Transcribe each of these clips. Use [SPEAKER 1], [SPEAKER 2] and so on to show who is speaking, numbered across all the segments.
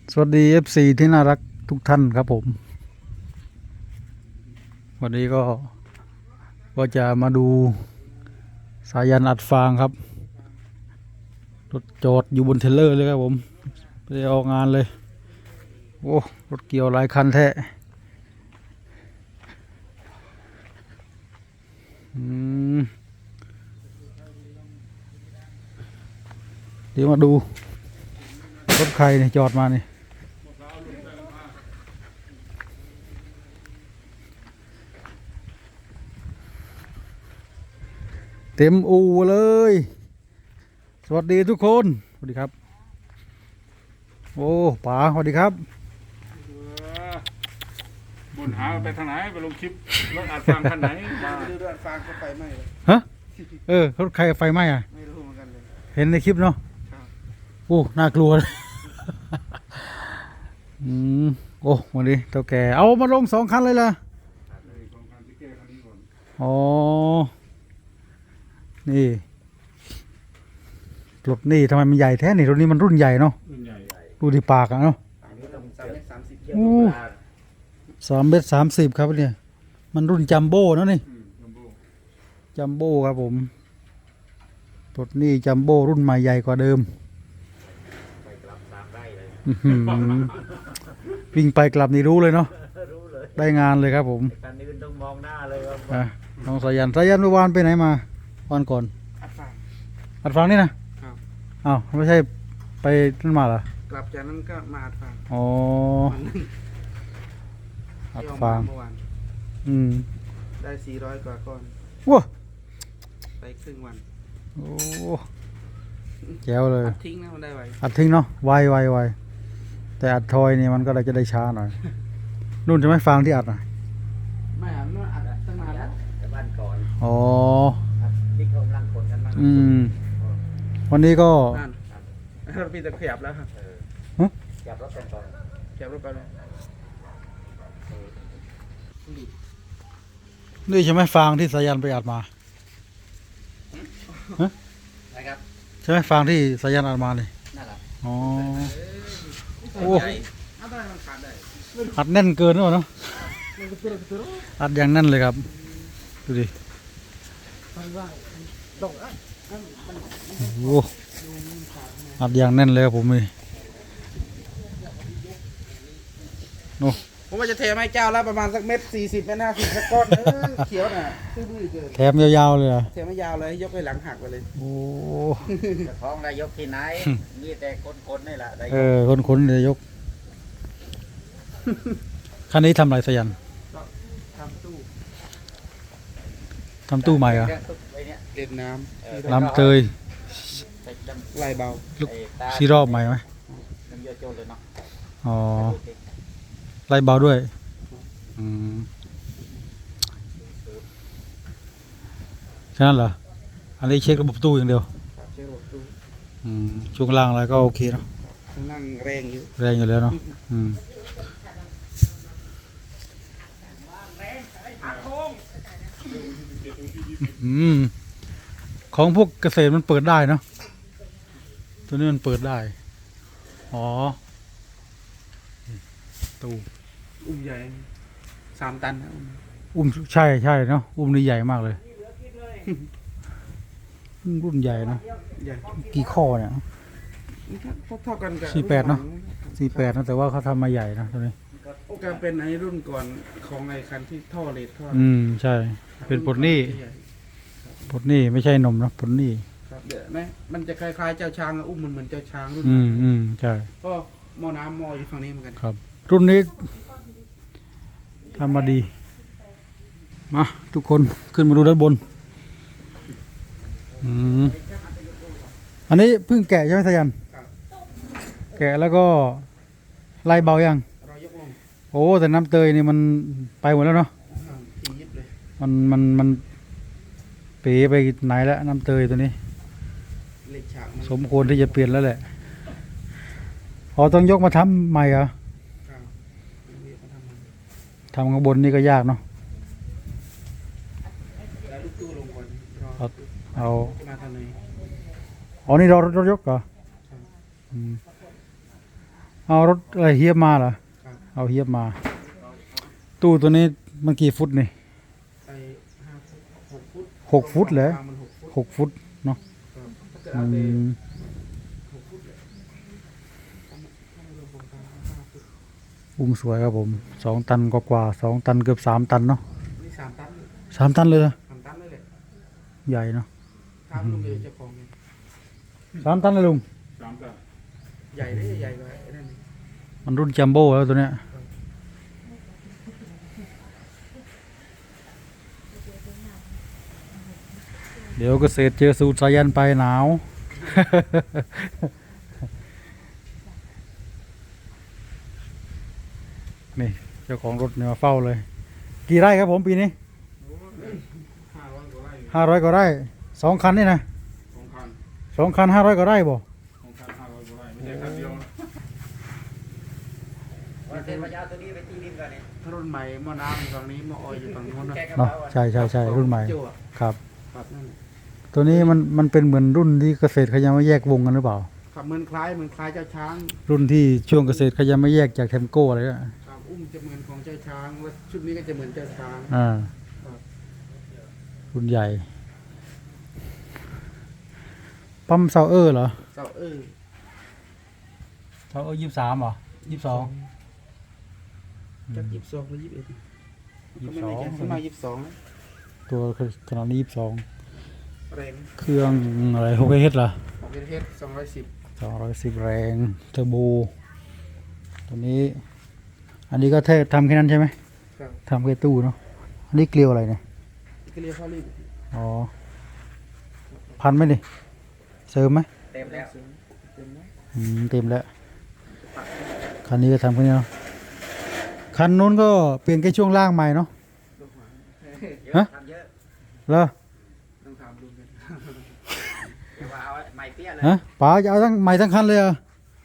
[SPEAKER 1] สวัสดี FC ที่น่ารักทุกท่านครับผมวันนี้ก็จะมาดูสายันอัดฟางครับรถจอดอยู่บนเทรลเลอร์เลยครับผมไปออกงานเลยโอ้รถเกี่ยวหลายคันแท้เดี๋ยวมาดูรถใครเนี่ยจอดมานี่เต็มอู่เลยสวัสดีทุกคนสวัสดีครับโอ้ป๋าสวัสดีครับ
[SPEAKER 2] บุญหาไปทางไหนไปลงคลิปรถอัดฟางคันไหนมา
[SPEAKER 3] ไม่รู้ด้วยฟางก็ไฟไหม้เลย
[SPEAKER 1] ฮะรถใครไฟไหม้อ่ะ
[SPEAKER 3] ไม่รู้เหมือนกันเลย
[SPEAKER 1] เห็นในคลิปเนาะ
[SPEAKER 3] ครับ
[SPEAKER 1] โอ้น่ากลัวเลย โอ้วันนี้เท่าแก่เอามาลง2 คันเลยล่ะอ๋อนี่รถนี่ทำไมมันใหญ่แท้นี่รถนี้มันรุ่นใหญ่เนาะ
[SPEAKER 2] รุ่นใหญ่
[SPEAKER 1] ดูที่ปากอะเนาะ
[SPEAKER 3] อันนี้ต้อง3 เมตร 30
[SPEAKER 1] โอ้3 เมตร 30ครับเนี่ยมันรุ่นจัมโบ้เนาะนี่
[SPEAKER 2] จัมโบ้
[SPEAKER 1] จัมโบ้ครับผมรถนี่จัมโบ้รุ่นใหม่ใหญ่กว่าเดิมวิ่งไปกลับนี่รู้เลยเนาะได้งานเลยครับผม
[SPEAKER 4] การอื่นต้องมองหน้าเลยครับ
[SPEAKER 1] น้องสายันเมื่อวานไปไหนมาวันก่อน
[SPEAKER 3] อัดฟาง
[SPEAKER 1] อัดฟังนี่นะครับ อ้าวไม่ใช่ไปนั่นมาเหรอก
[SPEAKER 3] ลับจากนั้นก็มาอัดฟาง
[SPEAKER 1] อ๋อ
[SPEAKER 3] วันหนึง
[SPEAKER 1] อัด
[SPEAKER 3] ที่เอ
[SPEAKER 1] ฟาง
[SPEAKER 3] เมื่อวาน ได้400 กว่าก้อน
[SPEAKER 1] ว้า
[SPEAKER 3] ไปครึ่งวัน
[SPEAKER 1] โอ้แจ๋วเลย
[SPEAKER 3] อัดทิ้งนะมันได้ไว
[SPEAKER 1] อัดทิ้งเนาะไวแต่อัดทอยนี่มันก็เลยจะได้ช้าหน่อยนู่นจะไม่ฟังที่อัดอ่ะ
[SPEAKER 3] ไม่อัดมันอัดตั้งนานแล้ว
[SPEAKER 4] แต่บ้านก่อน
[SPEAKER 1] อ๋อ
[SPEAKER 4] นี่เขากำลังคนกันมาก
[SPEAKER 1] วันนี้ก็
[SPEAKER 3] นั่นรถพี่จะขยับแล้วครับ
[SPEAKER 4] จับรถกันก่อน
[SPEAKER 3] ขยับรถไปเลย
[SPEAKER 1] นี่ใช่ไหมฟังที่สายันไปอัดมา
[SPEAKER 4] นะครับ
[SPEAKER 1] ใช่ไหมฟังที่สายันอัดมาเลย
[SPEAKER 4] นั่นแหละ
[SPEAKER 1] อ๋อ โอ้
[SPEAKER 3] ใหญ่อัดได้มันขาดได้
[SPEAKER 1] อัดแน่นเกินหรือเปล่าเนาะอัดอย่างแน่นเลยครับดูดิโอ้อัดอย่างแน่นเลยครับผมนี่โอ้
[SPEAKER 3] ผมว่าจะเทไม้เจ้าแล้วประมาณสักเม็ด40 เมตร 50สักก้อนเขียวน่ะซื่อบื้อเกิน
[SPEAKER 1] แถมยาวๆเลยอ่ะ
[SPEAKER 3] เทไม่ยาวเลยยกไปหลังหักไปเลย
[SPEAKER 1] โอ้
[SPEAKER 4] จะท้องนายกที่ไหน มีแต่คนๆนี่แหละนายก
[SPEAKER 1] คนนายกคันนี้ทำอะไรสายัน
[SPEAKER 3] ก็ทำตู้
[SPEAKER 1] ทำตู้ใหม่เหรอ
[SPEAKER 4] เรื่องตุ๊กไอ้เนี่ย
[SPEAKER 3] เด็ดน้
[SPEAKER 1] น้ำเตย
[SPEAKER 4] ใส่ดำ
[SPEAKER 3] ำไล่เบา
[SPEAKER 1] ลูก
[SPEAKER 4] ไอ้ตา
[SPEAKER 1] ซีรอบใหม่ไหม
[SPEAKER 4] น้ำเยอะโจนเลยเนาะ
[SPEAKER 1] อ๋อไล่เบาด้วยแค่นั้นเหรออันนี้เช็คระบบตู้อย่างเดียว
[SPEAKER 3] เช็คระบบตู้
[SPEAKER 1] ช่วงล่างอะไรก็โอเคเนาะ
[SPEAKER 3] ข้างล่างแรงอยู่
[SPEAKER 1] แรงอยู่แล้วเนาะของพวกเกษตรมันเปิดได้เนาะตัวนี้มันเปิดได้อ๋อตู้
[SPEAKER 3] อุ้มใหญ่3 ตันนะ
[SPEAKER 1] อุ้มใช่เนาะอุ้มนี่ใหญ่มากเลยรุ่นใหญ่เนาะ
[SPEAKER 3] ใหญ่
[SPEAKER 1] กี่ข้อเนี่ย
[SPEAKER 3] เท่ากันกับ
[SPEAKER 1] 48เนอะ 48นะแต่ว่าเขาทำมาใหญ่นะตัวนี้
[SPEAKER 3] ก็เป็นไอ้รุ่นก่อนของไอ้คันที่ท่อเลดท่อ
[SPEAKER 1] ใช่เป็นปลดหนี้ปลดหนี้ไม่ใช่นมนะปลดหนี้
[SPEAKER 3] ครับเดี๋ยวนะมันจะคล้ายๆเจ้าช้างอะอุ้มมันเหมือนเจ้าช้างรุ่น
[SPEAKER 1] ใช่
[SPEAKER 3] ก็หม้อน้ำหม้ออยู่ฝั่งนี้เหมือนกัน
[SPEAKER 1] ครับ รุ่นนี้ทำมาดีมาทุกคนขึ้นมาดูด้านบนอันนี้เพิ่งแกะใช่ไหมสายันแกะแล้วก็ไล่เบายัง
[SPEAKER 3] เรายกลง
[SPEAKER 1] โอ้แต่น้ำเตยนี่มันไปหมดแล้วเนาะ
[SPEAKER 3] ทียิบเลย
[SPEAKER 1] มันเป๋ไปไหนแล้วน้ำเตยตัวนี้
[SPEAKER 3] เหล็กฉากมัน
[SPEAKER 1] สมควรที่จะเปลี่ยนแล้วแหละพอต้องยกมาทำใหม่เหรอ
[SPEAKER 3] ครับนี่เขาทำมัน
[SPEAKER 1] ทำข้างบนนี่ก็ยากเนาะ
[SPEAKER 3] แล้วลูกตู้ลงก่อนรอ
[SPEAKER 1] เอา
[SPEAKER 3] มาทางไหน
[SPEAKER 1] อ๋อนี่รถยกเหรอเอารถอะไรเฮียบมาเหรอ
[SPEAKER 3] ครับ
[SPEAKER 1] เอาเฮียบมา ตู้ตัวนี้มันกี่ฟุตนี่
[SPEAKER 3] ไอ้5 ฟุต 6 ฟุต
[SPEAKER 1] 6 ฟุตเหรอ
[SPEAKER 3] มัน6 ฟุต
[SPEAKER 1] 6 ฟุตเนาะ
[SPEAKER 3] ครับถ้าเกิด
[SPEAKER 1] อื
[SPEAKER 3] เอาไป
[SPEAKER 1] ม
[SPEAKER 3] 6 ฟุตเลยถ้าไม่รวมโครงการ5 ฟุต
[SPEAKER 1] อุ้มสวยครับผม2 ตันกว่าๆ2 ตันเกือบ3 ตันเนาะ
[SPEAKER 3] นี่3 ตัน
[SPEAKER 1] 3 ตันเลยเหรอ
[SPEAKER 3] 3 ตันเลยแหละ
[SPEAKER 1] ใหญ่เนาะ
[SPEAKER 3] ถามลุงเองเจ้าของไง
[SPEAKER 1] 3 ตันเลยลุง
[SPEAKER 2] 3 ตัน
[SPEAKER 3] ใหญ่เลยใหญ่กว่าไอ้นั่นนี่
[SPEAKER 1] มันรุ่นจัมโบ้แล้วตัวเนี้ยเดี๋ยวเกษตรเจอสูตรสายันไปหนาว นี่เจ้าของรถเนี่ยมาเฝ้าเลย กี่ไร่ครับผมปีนี้
[SPEAKER 2] 500 กว่าไร่อยู่
[SPEAKER 1] 500 กว่าไร่2 คันนี่นะ
[SPEAKER 2] 2 คัน
[SPEAKER 1] 2 คัน500 กว่าไร่บ่
[SPEAKER 2] 2 คัน 500 กว่าไร่ไม่ใช่คันเดียวนะ
[SPEAKER 4] วันเสร็จวันยาวตัวนี้ไปตีดินกันเนี่ย
[SPEAKER 3] ถ้ารุ่นใหม่หม้อน้ำอยู่ฝั่งนี้หม้อออยอยู่ฝั่งนู้นนะ
[SPEAKER 4] แกกระ
[SPEAKER 1] เนาะ
[SPEAKER 4] เป๋าอะ
[SPEAKER 1] ใช่รุ่นใหม่
[SPEAKER 3] โจ้อะ
[SPEAKER 1] ครับ
[SPEAKER 3] ครับนั่นแหละ
[SPEAKER 1] ตัวนี้มันเป็นเหมือนรุ่นที่เกษตรเขายังไม่แยกวงกันหรือเปล่า
[SPEAKER 3] ครับเหมือนคล้ายเจ้าช้าง
[SPEAKER 1] รุ่นที่ช่วงเกษตรเขายังไม่แยกจากเทมโก้อะไรก็
[SPEAKER 3] ครับอุ้มจะเหมือนของเจ้าช้างแล้วชุดนี้ก็จะเหมือนเจ้าช้าง
[SPEAKER 1] อ่า
[SPEAKER 3] ครับ
[SPEAKER 1] รุ่นใหญ่ ปั๊มเซาเออร์เหรอ
[SPEAKER 3] เสาเออ
[SPEAKER 1] เซาเออร์23เหรอ22
[SPEAKER 3] จัก22หรือ21ก็ไม่แน่ใจ
[SPEAKER 1] 22
[SPEAKER 3] ขึ้นมา22นะ
[SPEAKER 1] ตัวขนาดนี้22
[SPEAKER 3] แรง
[SPEAKER 1] เครื่องอะไร6 เฮดเหรอ
[SPEAKER 3] ของประเทศ210
[SPEAKER 1] 210 แรง เทอร์โบ ตัวนี้ อันนี้ก็แค่ทำแค่นั้นใช่ไหม
[SPEAKER 3] ครับ
[SPEAKER 1] ทำแค่ตู้เนาะ อันนี้เกลียวอะไรเนี่ย
[SPEAKER 3] ก็เรียกข้าวรีบ
[SPEAKER 1] อ๋อ พันไหมดิเสริมไหม
[SPEAKER 4] เต็มแล้ว
[SPEAKER 3] เต็มนะ
[SPEAKER 1] เต็มแล้ว คันนี้ก็ทำแค่นี้เนาะ คันนู้นก็เปลี่ยนแค่ช่วงล่างใหม่เนาะ
[SPEAKER 3] ลูกหมา
[SPEAKER 4] เย
[SPEAKER 1] ฮะ
[SPEAKER 4] อะทำเยอะ
[SPEAKER 1] เหรอ
[SPEAKER 3] ต้องถามลุงกัน
[SPEAKER 4] เดี๋ยวว่าเอาไม้เปี้ยเลย
[SPEAKER 1] ฮะป๋าจะเอาทั้งใหม่ทั้งคันเลยเหรอ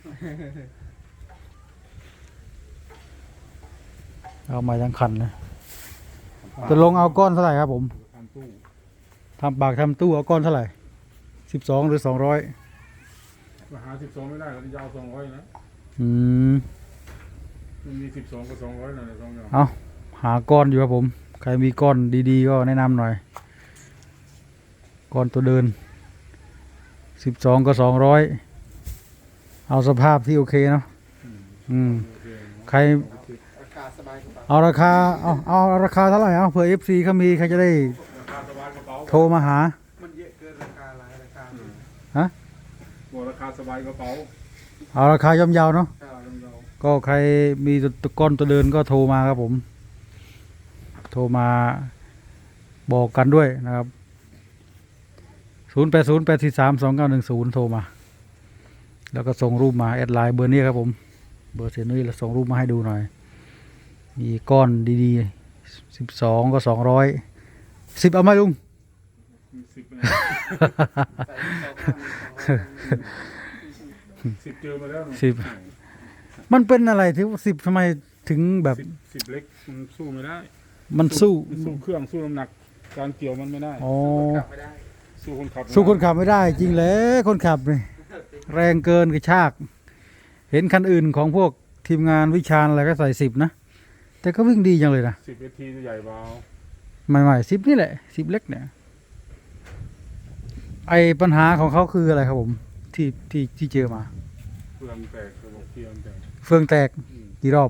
[SPEAKER 1] เอาใหม่ทั้งคันเลยจะลงเอาก้อนเท่าไหร่ครับผม
[SPEAKER 2] ทำตู้
[SPEAKER 1] ทำปากทำตู้เอาก้อนเท่าไหร่12 หรือ 200
[SPEAKER 2] มาหา 12 ไม่ได้ก็จะเอา200นะ
[SPEAKER 1] อืม
[SPEAKER 2] มันมี 12 กับ 200นั่นแหละ2อย่าง
[SPEAKER 1] เอาหาก้อนอยู่ครับผม ใครมีก้อนดีๆก็แนะนำหน่อย ก้อนตัวเดิน 12 กับ 200 เอาสภาพที่โอเคเนาะ อืม
[SPEAKER 2] โอเค
[SPEAKER 1] ใคร
[SPEAKER 3] ราคาสบายกว่า
[SPEAKER 1] เอาราคา เอาราคาเท่าไหร่เอาเผื่อ FC เขามีใครจะได้
[SPEAKER 2] ราคาสบายกระเป๋า
[SPEAKER 1] โทรมาหา
[SPEAKER 3] มันเยอะเกินราคาหลายราคา
[SPEAKER 1] ฮะ
[SPEAKER 2] บอกราคาสบายกระเป๋า
[SPEAKER 1] เอาราคาย่อมเยาวเนาะ
[SPEAKER 2] ค่าลำเยา
[SPEAKER 1] ก็ใครมีตัวก้อนตัวเดินก็โทรมาครับผม โทรมาบอกกันด้วยนะครับ 0808432910 โทรมา แล้วก็ส่งรูปมาแอดไลน์เบอร์นี้ครับผม เบอร์เสียนุ้ยแล้วส่งรูปมาให้ดูหน่อย มีก้อนดีๆ12 ก็ 200 10 เอาไหมลุง
[SPEAKER 2] 10นะ
[SPEAKER 3] ใส่ที่เขาข้างมีของ
[SPEAKER 2] 10เจอมาแล้ว
[SPEAKER 1] 10 มันเป็นอะไรที่10ทำไมถึงแบบ
[SPEAKER 2] 10เล็กมันสู้ไม่ได้
[SPEAKER 1] มันสู้
[SPEAKER 2] สู้เครื่องสู้น้ำหนักการเกี่ยวมันไม่ได้
[SPEAKER 1] อ๋อ
[SPEAKER 3] กลับไม่ได้
[SPEAKER 2] สู้คนขับ
[SPEAKER 1] สู้คนขับไม่ได้จริงเลยคนขับนี่แรงเกินกระชาก เห็นคันอื่นของพวกทีมงานวิชาญอะไรก็ใส่10นะ แต่ก็วิ่งดีจังเลยนะ
[SPEAKER 2] 10 AT ตัวใหญ่เบา
[SPEAKER 1] ใหม่ๆ10นี่แหละ10เล็กเนี่ย ไอปัญหาของเขาคืออะไรครับผม ที่เจอมา
[SPEAKER 2] เฟืองแตกระบบเกียร์แตก
[SPEAKER 1] เฟืองแตกกี่รอบ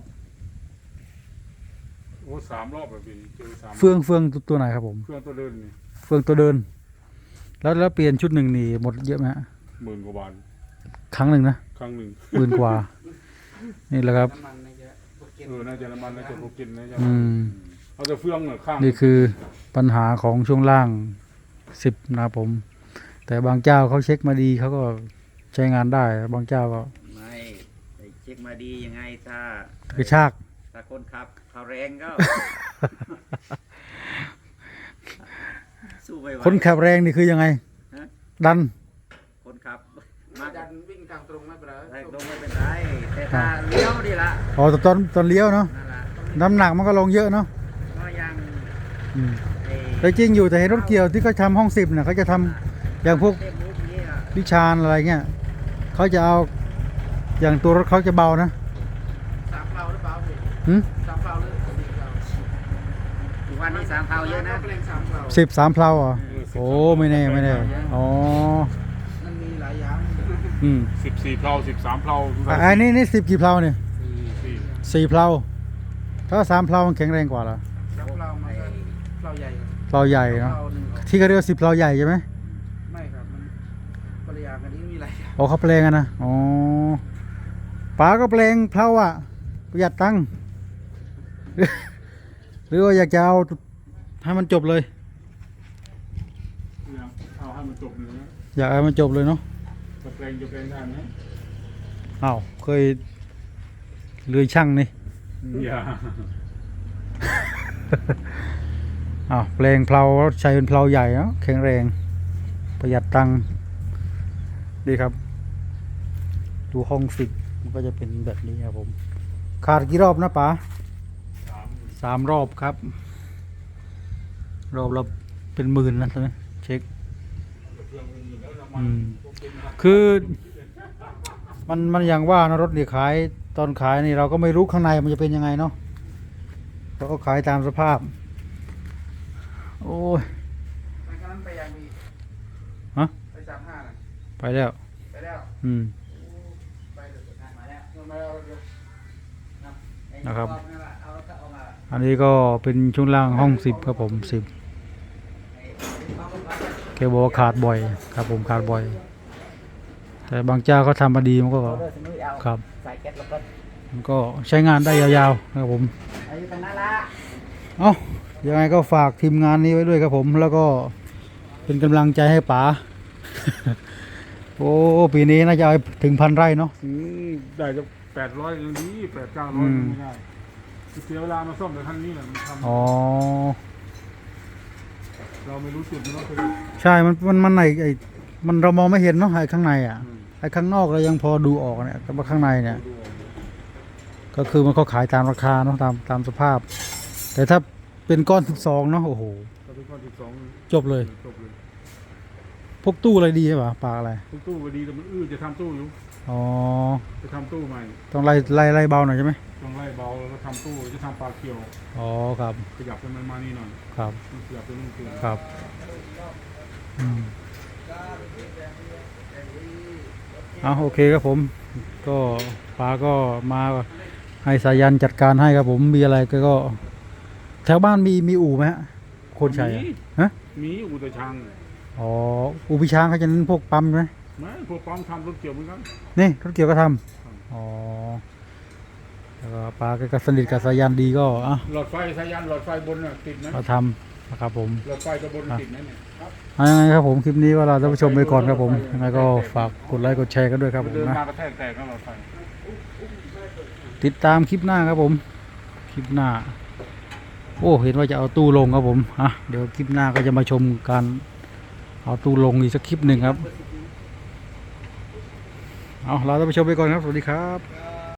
[SPEAKER 2] โอ้3 รอบแบบนี้เจอ3
[SPEAKER 1] เฟืองตัวไหนครับผม
[SPEAKER 2] เฟืองตัวเดินนี่
[SPEAKER 1] เฟืองตัวเดิน แล้วเปลี่ยนชุดหนึ่งนี่หมดเยอะไหมฮะ
[SPEAKER 2] 10,000 กว่าบาท
[SPEAKER 1] ครั้งหนึ่งนะ
[SPEAKER 2] ครั้งหนึ่ง
[SPEAKER 1] 10,000 กว่า นี่แหละครับ
[SPEAKER 3] น้ำมันนะจ๊ะพวกเก็บ
[SPEAKER 2] น่าจะน้ำมันน่าจะโปรกินนะจ๊ะ
[SPEAKER 1] อืม
[SPEAKER 2] เอาแต่เฟืองเนี่ยข้าง
[SPEAKER 1] นี่คือปัญหาของช่วงล่าง10นะครับผม แต่บางเจ้าเขาเช็คมาดีเขาก็ใช้งานได้ บางเจ้าก็
[SPEAKER 4] ไม่ไปเช็คมาดียังไงถ้าก
[SPEAKER 1] ระชาก
[SPEAKER 4] ถ้าคนขับเขาแรงก็ สู้ไม่ไหว
[SPEAKER 1] คนขับแรงนี่คือยังไง
[SPEAKER 4] ฮะ
[SPEAKER 1] ดัน
[SPEAKER 4] คนขับมา
[SPEAKER 3] ดันวิ่งทางตรงไม่เป็นไร
[SPEAKER 4] แรงลงไม่เป็นไรแต่ถ้าเลี้ยวดีละ
[SPEAKER 1] อ๋อตอนเลี้ยวเนาะ
[SPEAKER 4] นั่นแหละ
[SPEAKER 1] น้ำหนักมันก็ลงเยอะเนาะ
[SPEAKER 4] ก็ยัง
[SPEAKER 1] อืม
[SPEAKER 4] ไอ้
[SPEAKER 1] แต่จริงอยู่แต่เห็นรถเกี่ยวที่เขาทำห้อง10เนี่ยเขาจะทำอย่างพวก
[SPEAKER 4] เต็มรูปนี้อ่ะ
[SPEAKER 1] วิชาญอะไรเงี้ยเขาจะเอาอย่างตัวรถเขาจะเบานะหืม
[SPEAKER 3] 3 เพลาเลย4 เพลา
[SPEAKER 4] ทุกวันนี้3 เผาเยอะนะ
[SPEAKER 3] เพลง3 เพลา
[SPEAKER 1] 13 เพลาเหรอโอ้ไม่แน่ไม่แน่อ๋อ
[SPEAKER 3] มันมีหลายอย่าง
[SPEAKER 1] อืม
[SPEAKER 2] 14 เพลา 13 เพลา
[SPEAKER 1] อันนี้10 กี่เพลาเนี่ย
[SPEAKER 2] สี่
[SPEAKER 1] 4 เพลาถ้า3 เพลามันแข็งแรงกว่าเหรอ
[SPEAKER 3] 3 เพลามันก็เพลาใหญ่ครับ
[SPEAKER 1] เพลาใหญ่เนาะ
[SPEAKER 3] เพลาหนึ่ง
[SPEAKER 1] ที่เขาเรียกว่า10 เพลาใหญ่ใช่ไหม
[SPEAKER 3] ไม่ครับมันภรรยากันนี้มีหลายอย่าง
[SPEAKER 1] อ๋อเขาแปลงกันนะอ๋อป๋าก็แปลงเพลาอ่ะประหยัดตังค์ หรือว่าอยากจะเอาให้มันจบเลย
[SPEAKER 2] เอาให้มันจบเลยนะ
[SPEAKER 1] อยากให้มันจบเลยเนาะ
[SPEAKER 2] จะแปลงได้ไหม
[SPEAKER 1] อ้าวเคยเลื่อยช่างนี่
[SPEAKER 2] อย่า
[SPEAKER 1] อ้าวแปลงเพลาใช้เป็นเพลาใหญ่เนาะแข็งแรงประหยัดตังค์ดีครับ ดูห้องฟิกมันก็จะเป็นแบบนี้ครับผมขาดกี่รอบนะป๋า3 รอบครับ รอบละเป็นหมื่นนะใช่ไหมเช็คคือมันอย่างว่านะรถนี่ขายตอนขายนี่เราก็ไม่รู้ข้างในมันจะเป็นยังไงเนาะเราก็ขายตามสภาพ โอ้ย
[SPEAKER 3] มันก็นั้นไปยังมี
[SPEAKER 1] ฮะ
[SPEAKER 3] ไป35น่ะ
[SPEAKER 1] ไปแล้ว
[SPEAKER 3] ไปแล้ว
[SPEAKER 1] อืม
[SPEAKER 3] ไปเลย
[SPEAKER 4] มาแล้ว
[SPEAKER 3] มาเอาเดี๋ยว
[SPEAKER 1] นะครับ
[SPEAKER 4] เอาก็เอามา
[SPEAKER 1] อันนี้ก็เป็นช่วงล่างห้อง10ครับผม10แกบอกว่าขาดบ่อยครับผมขาดบ่อย แต่บางเจ้าเขาทำมาดีมันก็
[SPEAKER 4] เอาเด้อสนุยเอา
[SPEAKER 1] ครับ
[SPEAKER 4] ใส่แก๊สแล้วก็
[SPEAKER 1] มันก็ใช้งานได้ยาวๆนะครับผม
[SPEAKER 4] เอาอยู่ตรงนั้นละ
[SPEAKER 1] เอ้ายังไงก็ฝากทีมงานนี้ไว้ด้วยครับผมแล้วก็เป็นกำลังใจให้ป๋า โอ้ปีนี้น่าจะเอาถึง1,000 ไร่เนาะ
[SPEAKER 2] ได้จะ800ยังดี800-900
[SPEAKER 1] อืม
[SPEAKER 2] ไม่ได้เสียเวลามาซ่อมแต่ท่านนี้แหละมันท
[SPEAKER 1] อ๋อ
[SPEAKER 2] ำเราไม่รู้จุดมันก็คือ
[SPEAKER 1] ใช่มันไอ้มันเรามองไม่เห็นเนาะไอ้ข้างในอ่ะไอ้ข้างนอกเรายังพอดูออกเนี่ยแต่ว่าข้างในเนี่ย ก็คือมันเขาขายตามราคาเนาะตามสภาพ แต่ถ้าเป็นก้อน12เนาะโอ้โห
[SPEAKER 2] ถ้าเป็นก้อน12
[SPEAKER 1] จบเลย
[SPEAKER 2] จบเลย
[SPEAKER 1] พวกตู้อะไรดีใช่ป่ะปลาอะไร
[SPEAKER 2] ตู้ก็ดีแต่มันจะทำตู้อยู่
[SPEAKER 1] อ๋อ
[SPEAKER 2] จะทำตู้ใหม่
[SPEAKER 1] ต้องไล่เบาหน่อยใช่ไหม
[SPEAKER 2] ต้องไล่เบาแล้วก็ทำตู้จะทำปลาเขียว
[SPEAKER 1] อ๋อครับ
[SPEAKER 2] ขยับให้มันมานี่หน่อย
[SPEAKER 1] ครับ
[SPEAKER 2] ขยับไปนู่นคือ
[SPEAKER 1] ครับอืมเอาโอเคครับผม ก็ปลาก็มาให้สายันจัดการให้ครับผมมีอะไรก็แถวบ้านมีอู่ไหมฮะคนชัยอะฮะ
[SPEAKER 2] มีอุตชัง
[SPEAKER 1] อ๋ออู่พิช้างเขาจะเน้นพวกปั๊มไหม
[SPEAKER 2] ไม่พวกปั๊มทำรถเกี่ยวเหมือนกัน
[SPEAKER 1] นี่รถเกี่ยวก็ทำอ๋อแล้วก็ปลาก็สนิทกับสายันดีก็อ่ะ
[SPEAKER 2] หลอดไฟสายันหลอดไฟบนน่ะติดไหม
[SPEAKER 1] มาทำนะครับผม
[SPEAKER 2] หลอดไฟตัวบนติดไหมเนี่ย
[SPEAKER 1] เอายังไงครับผมคลิปนี้ก็เราท่านผู้ชมไปก่อนครับผมยังไงก็ฝากกดไลค์กดแชร์กันด้วยครับผม
[SPEAKER 2] เดิน
[SPEAKER 1] นะ
[SPEAKER 2] มากระแทกแตกก็หลอดไฟ
[SPEAKER 1] ติดตามคลิปหน้าครับผมคลิปหน้า โอ้เห็นว่าจะเอาตู้ลงครับผมอ่ะเดี๋ยวคลิปหน้าก็จะมาชมการเอาตู้ลงอีกสักคลิปหนึ่งครับเอาเราท่านผู้ชมไปก่อนครับสวัสดีครับ